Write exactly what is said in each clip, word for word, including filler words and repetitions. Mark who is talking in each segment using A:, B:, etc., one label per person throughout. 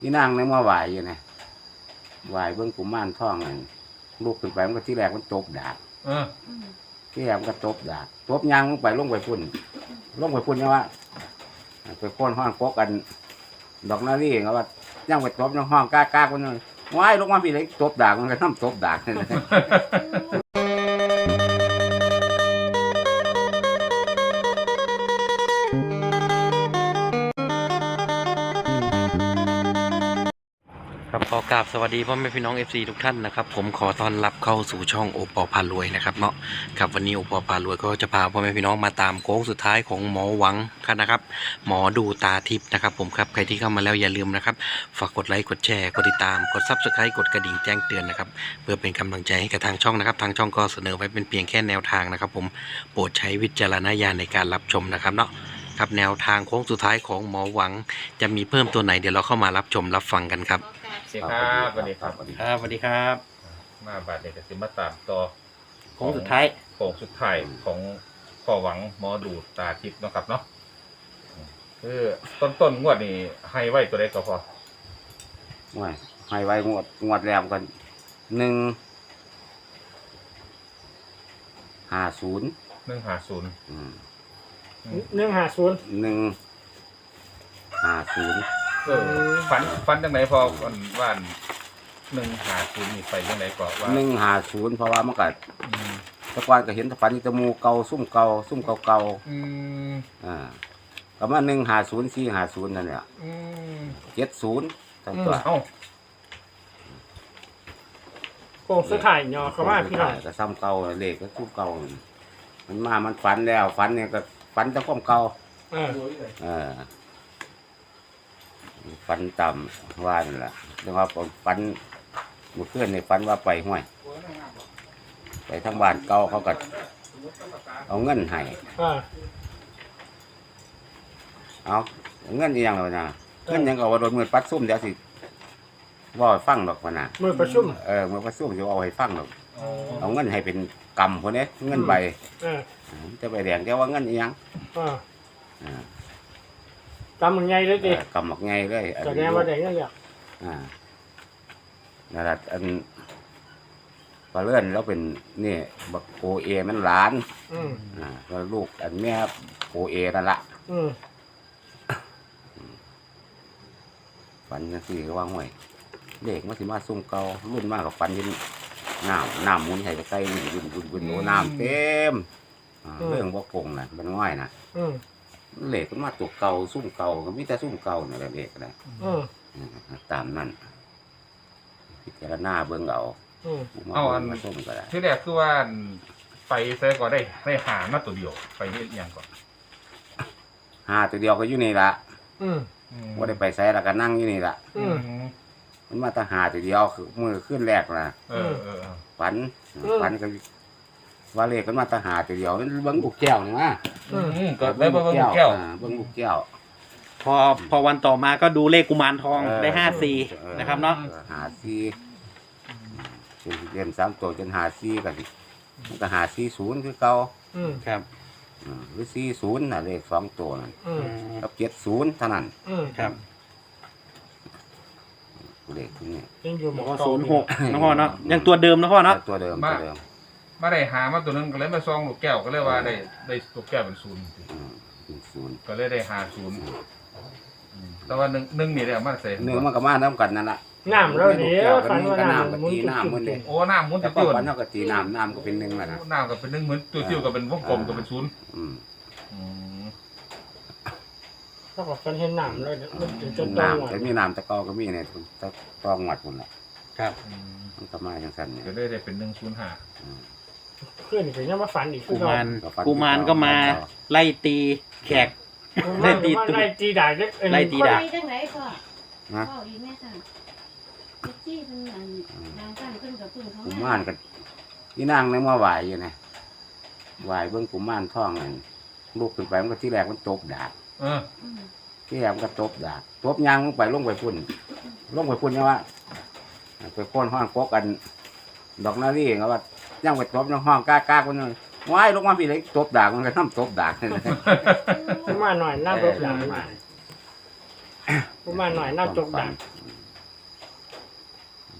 A: นี่นางนึกว่าไหวอยู่นะไหวเบิ้งกุมารทองนั่นลูกขึ้นไปมันก็ที่แรกมันตบดาบ
B: เออ
A: ที่แรกมันก็ตบดาบตบยางลงไปลงไปพุ่นลงไปพุ่นยังว่าไปโค่นห้องโกกัน ดอกนารีเขาว่าย่างไปตบยังห้องกล้ากล้าคนนึงว้ายลงมาพี่เลยตบดาบมันก็น้ำตบดาบเลย
C: ครับขอกราบสวัสดีพ่อแม่พี่น้อง เอฟ ซี ทุกท่านนะครับผมขอต้อนรับเข้าสู่ช่องโอปอพารวยนะครับเนาะครับวันนี้โอปอพารวยก็จะพาพ่อแม่พี่น้องมาตามโค้งสุดท้ายของหมอหวังกันนะครับหมอดูตาทิพย์นะครับผมครับใครที่เข้ามาแล้วอย่าลืมนะครับฝากกดไลค์กดแชร์กดติดตามกดซับสไครต์กดกระดิ่งแจ้งเตือนนะครับเพื่อเป็นกำลังใจให้กับทางช่องนะครับทางช่องก็เสนอไว้เป็นเพียงแค่แนวทางนะครับผมโปรดใช้วิจารณญาณในการรับชมนะครับเนาะครับแนวทางโค้งสุดท้ายของหมอหวังจะมีเพิ่มตัวไหนเดี๋ยวเราเข้ามารับชมรับฟังกันครับ
B: สวัสดีครับสวัสดีครับ
C: ครับสวัสดีครับ
B: มาบาดเด็กสิมาตามต่อ
C: โค้งสุดท้าย
B: โค้งสุดท้ายของพ่อหวังหมอดูตาทิพย์เนาะครับเนาะคือต้นต้นงวดนี่ให้ไว้ตัวใดก็พอ
A: ว้ายให้ไว้งวดงวดแรกกันหนึ่งห้าศูนย์
B: หนึ่งห้าศูนย์
D: หนึ่งห้าศูนย์
A: หนึ่งห้าศูนย์
B: เออฝันฝันจังไหนพอวันว่านหนึ่งห้าศูนย์นี่ไปจังไหนก็ว่า
A: หนึ่งห้าศูนย์เพราะว่ามันก็
B: อืม
A: ตะกอนก็เห็นฝันจมูกเก่าซุ่มเก่าซุ่มเก่าเก่า
B: อืม
A: อ่าก็มาหนึ่งห้าศูนย์สี่ห้าศูนย์นั่นแหละ
B: อืม
A: เจ็ดศูนย์ทั้ง
B: อืม
A: ตัว
B: เอ้า
D: โค้งสุดท้ายเนาะเขาว่าพี่น้อง
A: ก็ซ้ำเก่าเลขก็ซุ่มเก่ามันมามันฝันแล้วฝันเนี่ยก็ฝันแต่ความเก่า
D: เออ
A: เออฝันต่ำว่านั่นแหละแต่ว่าผมฝันเมื่อคืนในฝันว่าไปห้วย ไปทางบ้านเก่าเขาก็เอาเงินให้
D: เออ
A: เอาเงินอีหยังแล้วนะเงินหยังก็ว่าโดนมือปัดซุ่มเดี๋ยวสิว่าให้ฟังดอกว่านะ
D: มือประชุม
A: เออมือปัดซุ่มจะเอาให้ฟังดอก
B: อ๋อ
A: เอาเงินให้เป็นกำคนนี้เงินใบ
D: เออ
A: จะไปแดงจะว่าเงินอีหยัง
D: เออ
A: อ่า
D: จำมันไงเลย
A: เอ
D: ดิ
A: อกำหมักไงเลยอัน
D: แสดงว่าได้เงินแล้ว
A: อ่านั่นแหละอันปลาเลื่อนแล้วเป็นนี่บักโอเอมันหลาน
D: อืม
A: อ่าแล้วลูกอันแม่โอเอนั่นละ
D: อืม
A: ฝันจังซี่ก็ว่าห่วยเด็กมาสิมาซุ่มเก่ารุ่นมากกับฝันยินน้ำน้ำหมุนให้ใกล้ๆนี่บุญบุญบุญโอ้น้ำเต็มอ่าเรื่องบ่คงน่ะมันง่ายน่ะ
D: อืม
A: เหล็กมันมาตัวเก่าซุ่มเก่าก็มีแต่ซุ่มเก่านี่แหละเด็กนะ
D: อืม
A: อืมตามนั้นพิจารณาเบิ่งเอา
D: อืม
A: มา
B: เอาอัน
A: มาส้มก็ได้
B: ที่แรกคือว่าไปใส่ก็ได้ได้หามาตัวเดียวไปเฮ็ดอิหยังก่อน
A: หาตัวเดียวก็อยู่นี่ละ
D: อืม
A: ว่าได้ไปใส่แล้วก็นั่งอยู่นี่ละ
D: อืม
A: มันมาแตหาตัวเดียวคือมือขึ้นแรกนะ
B: เออเออเออ
A: ฝันฝันก็ว่าเลขมันมาแตหาตัวเดียวมันเบิ่งลูกแก้วนี่มา
B: อืมก็ได้เบิ่งลูกแก้ว
A: อ่าเบิ่งลูกแก้ว
C: พอพอวันต่อมาก็ดูเลขกุมารทอง
A: เออ
C: ได้ห้าสี่
A: ออ
C: นะครับเนาะ
A: หาซีเรียนสามตัวจนหาซีกันมันก็หาซีศูนย์คือเก่า
D: อืม
C: ครับ
A: อืมหรือซีศูนย์น่ะเลขสองตัวนั่น
D: อืม
A: กับเจ็ดศูนย์เท่านั้น
D: อืม
C: ครับ
A: เลขที่นี่
D: ยังอยู่หม
C: แล้ว
D: อ
C: ก็
D: เก่า
C: ศูนย์หกนะพ่อเนาะยังตัวเดิมนะพ่อเนาะ
A: ตัวเดิมตัวเดิม
B: มาได้หามาตัวหนึงก็เลยมาซองลูกแก้วก็เลยว่าได้ได้ลูกแก้วเป็นศูนย์
A: อืมเป็นศูนย์
B: ก็เลยได้หาศูนย์อืมแต่ว่าหนึ่งหนึ่งนี่ได้เอามาใส่
A: เนื้อมันก็มาน้ำกันนั่นแหละ
D: น้ำแล้วเดี๋ยวฝันว่า
A: ก็
D: น้ำ
A: น้ำ
D: มั
A: กับ
D: นหมุน
A: ตี
D: จุ
A: น้ำมันเลย
B: โอ้น้ำมุน
A: แต่
B: ติ้
A: ก็
B: ว
A: ฝันเท่ากับตีน้ำน้ำก็เป็นหนึ่งแล้วนะ
B: น้ำก็เป็นหนึ่งเหมือนติ้วๆก็เป็นวงกลมก็เป็นศูนย์
A: อืม
B: อืม
D: ถ้าบอกฉันเห็นน้ำแล้วเนี่ยมันจะจะตรงหมด
A: น้ำแต่มีน้ำตะกอก็มีเนี่ยตะตองหมัดหมดแหละ
C: ครับ
B: อืม
A: มันก็มาอย่างสั้นเนี่ย
B: ก็เลยได้เป็นหนึ่งศูนย์ห้า
A: อืม
D: เพื่อนอีกยังมาฝันอีกคื
C: กุ
D: อเรา
C: มารกุมารก็มาไล่ตีแขก
D: ไล่ตีไล่ตีด่าเล็ก
C: ไล่ตีด่า
E: ไปจังไหนพ่อ
A: นะ
E: พ่ออีกแม่ค่ะเจ็ดที่เพิ่นอันดังกันเพิ่นกับเพิ่นเขา
A: กุมารก็นี่นางนึกว่าไหวอยู่นะไหวเบื้องกุมารทองนั่นลูกขึ้นไปมันก็ที่แรกมันตบดาบ
B: เออ
E: อืม
A: ที่แรกมันก็ตบดาบตบยางลงไปลงไปพุ่นลงไปพุ่นยังว่าไปโค่นห้องโกกัน ดอกนารีเขาว่าย่างไปตบในห้องกล้ากล้าคนนึงว้ายลงมาพี่เลยตบดาบมันก็น้ำตบดาบเลย
D: กูมาหน่อยน้ำรบหลังมากูมาหน่อยน้ำจกด่า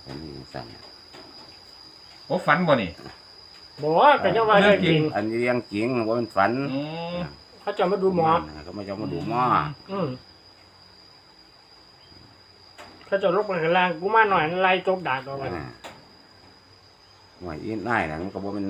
A: เป็นนี่สั่น
B: โอ้ฝันบ่นี่
D: บอกว่าก็จะว่าเรื่องจริง
A: อันนี้เรื่องจริงว่ามันฝัน
B: อืม
D: เขาจะมาดูหมอ
A: เขาไม่จะมาดูหมอ
D: อืมเขาจะลกไปข้างล่างกูมาหน่อยไล่จกดาดออกไป
A: อ่าหน่วยอีน่ายนะมันก็บอกมัน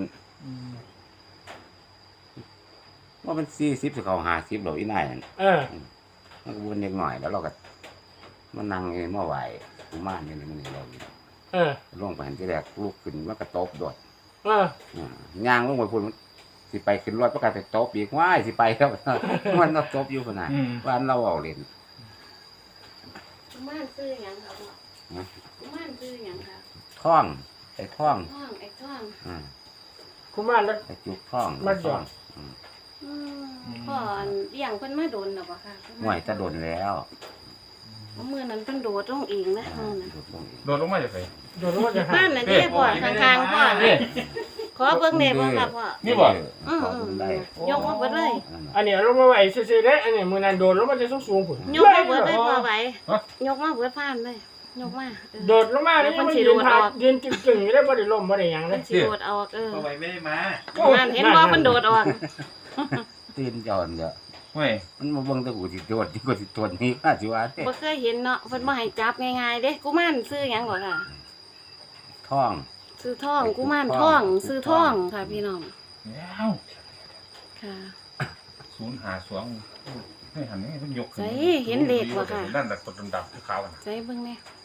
A: ว่ามันสี่สิบสิเขาห้าสิบหรออีน่ายนั่น
D: เออ
A: มันก็วนเล็กหน่อยแล้วเราก็มันนั่งเองเมื่อไหวกูมานนี่นี่มันนี่เรา
D: เออ
A: ลงไปเห็นที่แรกลูกขึ้นมันก็ตบโดด
D: เออ
A: อ่าย่างลงไปพูดมันสิไปขึ้นรถประกาศไปตบอีกว้ายสิไปแล้ว มันต้องตบอยู่ขนาด
B: อืม
A: บ้านเราเอาเล่น
E: กุมารซื้อหยังครับพ่อ
A: นะ
E: กุมารซื้อหยังครับ
A: ท่องไอ้ท่อง
E: ท่องไอ้ท่อง
A: อ่า
D: กูมาแล้ว
A: ไอ้จุกท่อง
D: มันหย
A: ท่
D: อ
A: อ
D: ด
A: งอืม
E: อืมพ่ออันเลี้ยงเพิ่นมาโดนหรอบ่ค่ะ
A: ห่วยจะโดนแล้ว
E: มื้อนั้นเพิ่นโดดลงเองนะ
A: อ่า
E: มื้อนั้น
A: โดดลงอีก
B: โดนลงมาจากไส
D: โดนว่าจะหา
E: บ้านนั่นเด้พ่อข้างๆพ่อ
B: นี่
E: ขอเบิ่งแหน่บ่ครับพ่อ
B: นี่บ่
A: เออขอเบิ่งได้
E: ยกมาเบิดเลย
A: อันนั้น
D: อันนี้ลงมาไหวซื่อๆเด้อันนี้มือนันโดนลงมาจะสูงๆผุน
E: ยกมาเบิดเลยพ่อไหวยกมาเบิดพานเลยยกมาเออ
D: โดดลงมาแล้วมันยืนทายืนจึงๆอยู่ได้บ่ได้ล้มบ่ได้หยังเล
E: มั
D: ย
E: นสิโดดออกเออ
F: เอาไว้ไม่ได้มา
E: นั่นเห็นบ่มันโดดออก
A: ตีนจอนเด้อ
B: เว้ย
A: มันมาเบิ่งแตะกูสิโดดที่กูสิตัวนี้ว่าสิว่าเด้
E: บ่เคยเห็นเนาะเพิ่นบ่ให้จับง่ายๆเด้กุมารซื้อหยังบ่ค่ะ
A: ท่อง
E: ซื้อทองกุมารทองซื้อทองค่ะพี่น้อง
B: แล้ว
E: ค่ะ
B: ศูนย์หาสวงไม่หันนี่มันยกขึ้น
E: ใส่เห็นเลขบ่ค่ะ
B: นั่นแต่ตัวดำๆขาวๆน่ะ
E: ใส่เบิ่งแหน่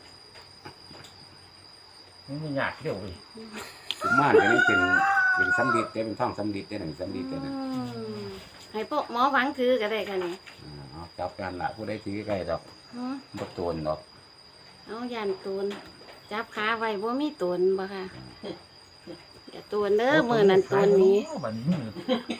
B: มันไม่ยากเที่ยวเว้ย
A: กุมารตัวนี้เป็นเป็นสำลีเด้เป็นท่องสำลีเด้นั่นสำลีเด้นั่น
E: อืมให้พวกหมอหวังถือก็ได้ค่ะนี่
A: อ่าเอาจับกันล่ะผู้ใดถือใกล้ดอก
E: หือ
A: บ่โตนดอก
E: เอาย่านตูนจับขาไว้บ่มีตูนบ่ค่ะอย่าตูนเด้อมื้อนั้นตูนนี้
B: บัดนี้มือ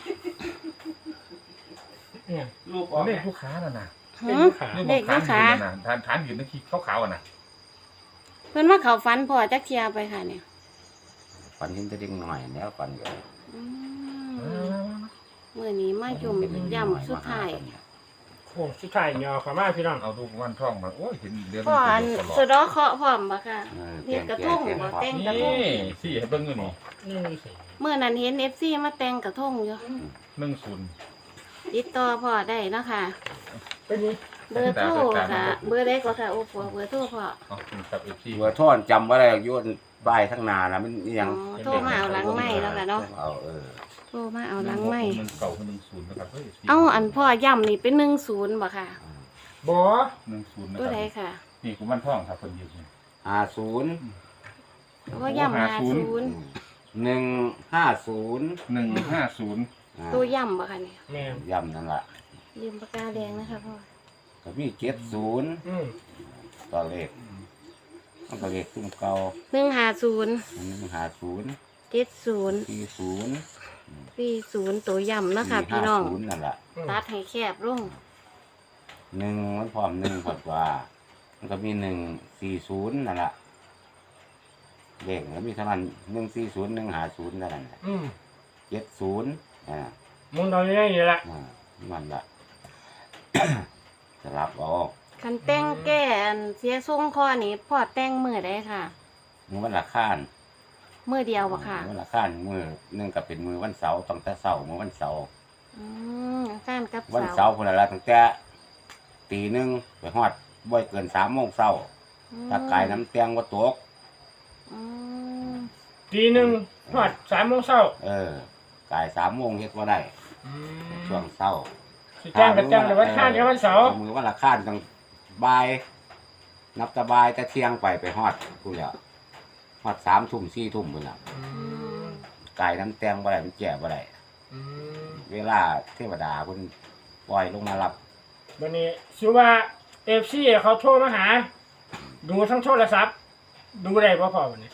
D: เนี่ย
F: ลูกออก
B: เล
F: เนี่
B: ข
F: ย
B: ลูกค้าน่ะนะ
E: หือ
B: นี่
E: เลขลูกค้า
B: ฐานฐานฐานอยู่ในขี้ขาวๆอ่ะนะ
E: เพิ่นว่าเขาฝันพ่อจักเที่ยไปค่ะเนี่ย
A: ฝันเห็นแต่เด็กหน่อยแล้วฝันอยู่
E: อืมมื้อนี้มาจุ่มย่ำสุดท้าย
D: โอ้สุดท้ายยอเข้ามาพี่น้อง
B: เอาดูวันท่องมาโอ้ยเห็นเดือน
E: พ่ออัน
B: ตลอ
E: สุ
B: ด
E: ดอเคาะพร้อมบ่ค่ะ
A: เออ
E: เรียกกระทงบ่แต่งกระทง
B: นี่สี่ให้เบิ่งอยู่นี่
D: นี่สิ
E: เมื่อนั้นเห็น เอฟ ซี มาแต่งกระทงอยู่
B: หนึ่งศูนย์
E: ติดต่อพ่อได้เนาะค่ะ
D: เป็นนี่
E: เบอร์โทรค่ะ เบอร์เล็กกว่าค่ะ โอ้ปัวเบอร์โทรพ่อ
B: เอาคุณกับเอฟซี
A: หัวท่อนจำบ่ได้โยนบายทั้งนานะมันอิหยัง
E: อ๋อโทรมาเอาหลังไม้แล้วค่ะเนาะ
A: เอาเออ
E: โทรมาเอาหลังไม้
B: หนึ่งเก่าคือหนึ่งศูนย์นะครับเฮ้ย
E: เอาอันพ่อย่ำนี่เป็นหนึ่งศูนย์บ่ค่ะ
D: บ่
B: หนึ่งศูนย์นะ
E: ตัว
B: ค
E: ใด
B: รับ
E: ค่ะ
B: นี่กุมันท่องครับคนอยู่นี่
A: ห้าศูนย์
E: พ่อย่ำหาศูนย์
A: หนึ่งห้าศูนย์
B: หนึ่งห้าศูนย์
E: ตัวย่ำบ่ค่ะเนี่ย
D: แม่น
A: ย่ำนั่นล่ะ
E: ลืมปากกาแดงนะคะพ่อ
A: ก็มีเจ็ดศูนย์
D: อืม
A: ต่อเลขมันก็เลขซุ้มเก่า
E: หนึ่งหาศูนย์
A: หนึ่งห้าศูนย์
E: เจ็ดศูนย์
A: สี่ศูนย์
E: สี่ศูนย์ตัวย่ำเนาะค่ะ
A: สี่
E: พี่
A: ห้า
E: น้อง
A: ศูนย์นั่นล่ะ
E: ตัดให้แคบลง
A: หนึ่งมันพร้อมหนึ่งพอดว่า มันก็มีหนึ่งสี่ศูนย์นั่นแหละเลขมันมีเท่านั้นหนึ่งสี่ศูนย์หนึ่งหาศูนย์นั่นแหละ
D: อืม
A: เจ็ดศูนย์อ่า
D: มึงตอนนี้นี่แหละ
A: อ่ามันละ สลับเออก
E: คันแต่งแก้อันเสียทรงคอนี่พ่อแต่งมือได้ค่ะ
A: มือวันละข้าน
E: มือเดียวบ่ค่ะ
A: มือวันละข้านมือหนึ่งก็เป็นมือวันเสาร์ตั้งแต่เสาร์มือวันเสาร์
E: อืมการกับ
A: วัน
E: เสา
A: เสาร์คนละตั้งแต่ตีหนึ่งไปฮอดบ่อยเกินสามโมงเช้าถ้ากายน้ำเตียงว่าตก
E: อืม
D: ตีหนึ่งทอดสามโมงเช้า
A: เออ กายสามโมงเฮ็ดว่าได้
D: อืม
A: ช่วงเช้า
D: สิแจ้งกับแจ้งแต่วันข้างเดียววันเสาร์
A: มือวันละข้านตั้งบ่ายนับแตะบายแต่เที่ยงไปไปฮอดพูดแล้วฮอดสามทุ่มสี่ทุ่มพุ่นละ
D: อืม
A: กายน้ำแตงบ่ได้มันแก่บ่ได้
D: อืม
A: เวลาเทวดาเพิ่นปล่อยลงมารับ
D: วันนี้ชื่อว่าเอฟซีเขาโทรมาหา ดูทั้งโทรศัพท์ ดูได้ป่ะพ่อวันนี้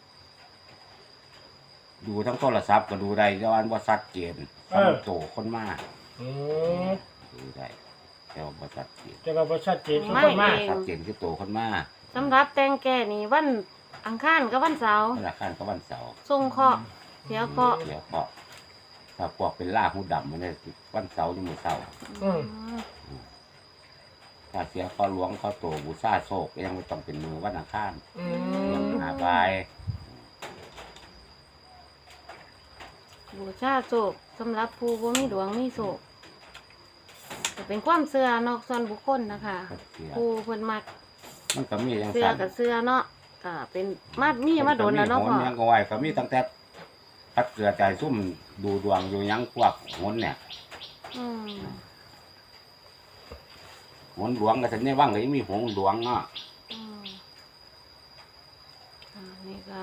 A: ดูทั้งโทรศัพท์ก็ดูได้แต่ว่าบ่ชัดเจนสำหรับโตคนมา
D: อืม
A: ดูได้แต่ว่าบ่ชัดเจน
D: จะเราประชัดเจนทุกคนมาก
A: ชัดเจนคือโตคนมา
E: สำหรับแต่งแก่นี่วันอังคารกับวันเสาร์
A: วันละข้านก็วันเสาร์
E: ทรงเคราะห์เสียเคราะห์
A: เดี๋ยวก็ถ้าพวกเป็นล่าหูดำมันได้วันเสาร์นี่มื้อเช้า
D: อืม
A: ถ้าเสียข้อหลวงข้อโตบูชาโศกยังไม่ต้องเป็นมือวันอังคาร
D: อื
A: ยัง
D: ม
A: หาาไป
E: บูชาโศกสำหรับผู้บ่มีดวงมีโศกก็เป็นความเชื่อนอกส่วนบุคคลนะคะ
A: เสีย
E: ผู้เพิ่นมัก
A: มันก็มีอย่าง
E: เชื่อ
A: สั่น
E: กับเชื่อเนาะก็เป็นมามีมาโดนแล้วเนาะ
A: มั
E: พ่อ
A: ก็มีโหนยังก็ไหวก็มีตั้งแต่พัดเกลือใจซุ่มดูดวงอยู่หยังพวกโหนเนี่ย
E: อืม
A: โหนหลวงก็จะเนี่ยว่างเลยมีโหนหลวงเนาะ
E: อืมอ่านี่ก็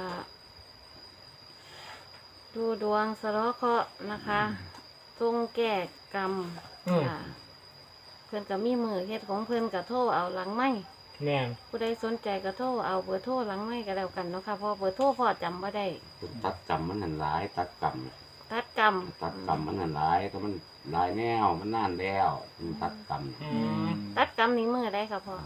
E: ดูดวงสะเลาะเคราะห์นะคะทรงแก้กรรม
D: อืม
E: ค่ะเพิ่นก็มีมือเฮ็ดของเพิ่นก็โทรเอาหลังไม้
D: แม่น
E: ผู้ใดสนใจก็โทรเอาเบอร์โทรหลังไม้ก็แล้วกันเนาะค่ะเพราะเบอร์โทรพ่อจำบ่ได้
A: ตัดกรรมมันหันหลาย ตัดกรรม
E: ตัดกรรม
A: ตัดกรรมมันหันหลายก็มันหลายแนวมันนานแล้วมันตัดกรรม
D: อืม
E: ตัดกรรมนี้มือได้ค่ะพ่อก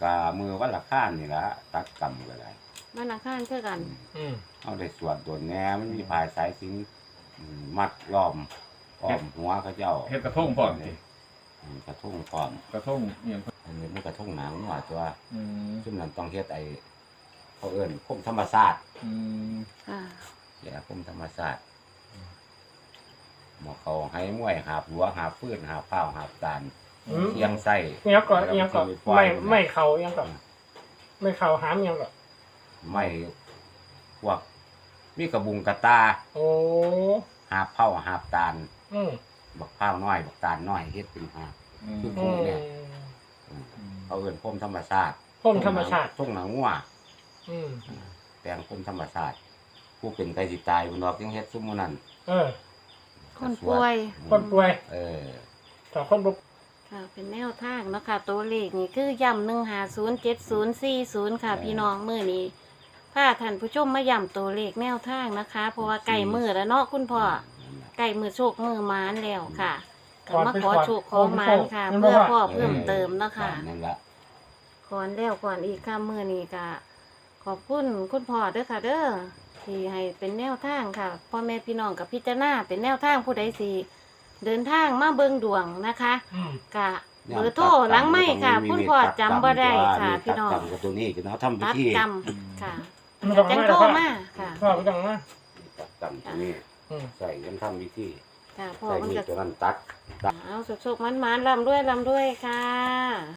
A: ามือวันละข้านนี่ละตัดกรรมก็ได้
E: มันอังคารคือกัน
D: อืม
A: เอาได้สวดตัวแหน่มันมีพายสายสิญจอืมมัดล้อมอ้อมหัวเขาเจ้า
B: เฮ็ดกระทงพร้อมสิ
A: อืมกระทุ่งพร้อม
B: กระทงเอียง
A: อันนี้มันกระทุ่งหนังหน่อยตัว
B: อืม
A: ซึ่งนั้นต้องเฮ็ดไอ้เขาเอิ้นคมธรรมศาสตร์
B: อืม
E: ค่ะ
A: แย่คมธรรมศาสตร์หมอเขาให้มวยหาบหัวหาบฟืนหาบเผาหาบตาล
D: อืม
A: เอียงไส้
D: เอียงก่อนเอียงก่อน
A: แล้วก็
D: ไม่
A: ปล่อย
D: ไม่เข่าเอียงก่อนไม่เข่าหามเอียงก่อน
A: ไม่พวกมีกระบุงกระตา
D: โอ้
A: หาบเผาหาบตาล
D: อืม
A: บักเผาน้อยบักตาลน้อยเฮ็ดเป็นหาบ
B: อืม
D: อืม
A: เขาเอิ้นคมธรรมศาสตร์
D: พ่มธรรมชาติ
A: ทุ่งหนังงัว
D: อืม
A: แต่งคมธรรมศาสตร์ผู้เป็นไกสิตายบนดอกยังเฮ็ดซุมมื้อนั้น
D: เออ
E: คนป่วย
D: คนป่วย
A: เออ
D: แต่คนบุก
E: ค่ะเป็นแนวทางเนาะค่ะตัวเลขนี่คือย่ำหนึ่งหาศูนย์เจ็ดศูนย์สี่ศูนย์ค่ะ พี่น้องมือนี้พาท่านผู้ชมมาย่ำตัวเลขแนวทางนะคะ เพราะว่าไก่มือแล้วเนาะคุณพ่อไก่มือโชคมือหมานแล้วค่ะก็มาขอโชคขอหมานค่ะ เพื่อพ่อเพิ่มเติมเนาะค่ะ
A: นั่นละ
E: ก่อนแล้วก่อนอีกค่ะมือนี้ก็ขอบคุณคุณพ่อเด้อค่ะ เด้อที่ให้เป็นแนวทางค่ะพ่อแม่พี่น้องกับพิจารณาเป็นแนวทางผู้ใดสิเดินทางมาเบิ่งดวงนะคะ
D: อืม
E: กะเบอร์โทรหลังไม่ค่ะคุณพ่อจำบ่ได้ค่ะพี่น้อง
A: ตัดกรรมกับตัวนี้คือเขาทำพิ
E: ตัด
A: ธี
E: กรรมค่ะ
D: มันต้อง
E: จัง
D: มา
E: โทร
D: แล้ว
E: มาค่ะ
D: พ่อไม่ต้องมา
A: ตัดกรรมตัวนี้
D: อืม
A: ใส่กันทำพิธี
E: ค่ะพ่อ
A: ใส่
E: มัน
A: มีด
E: จะ
A: ตัวนั้นตัด
E: เอาสุกๆมันๆลำด้วยลำด้วยค่ะ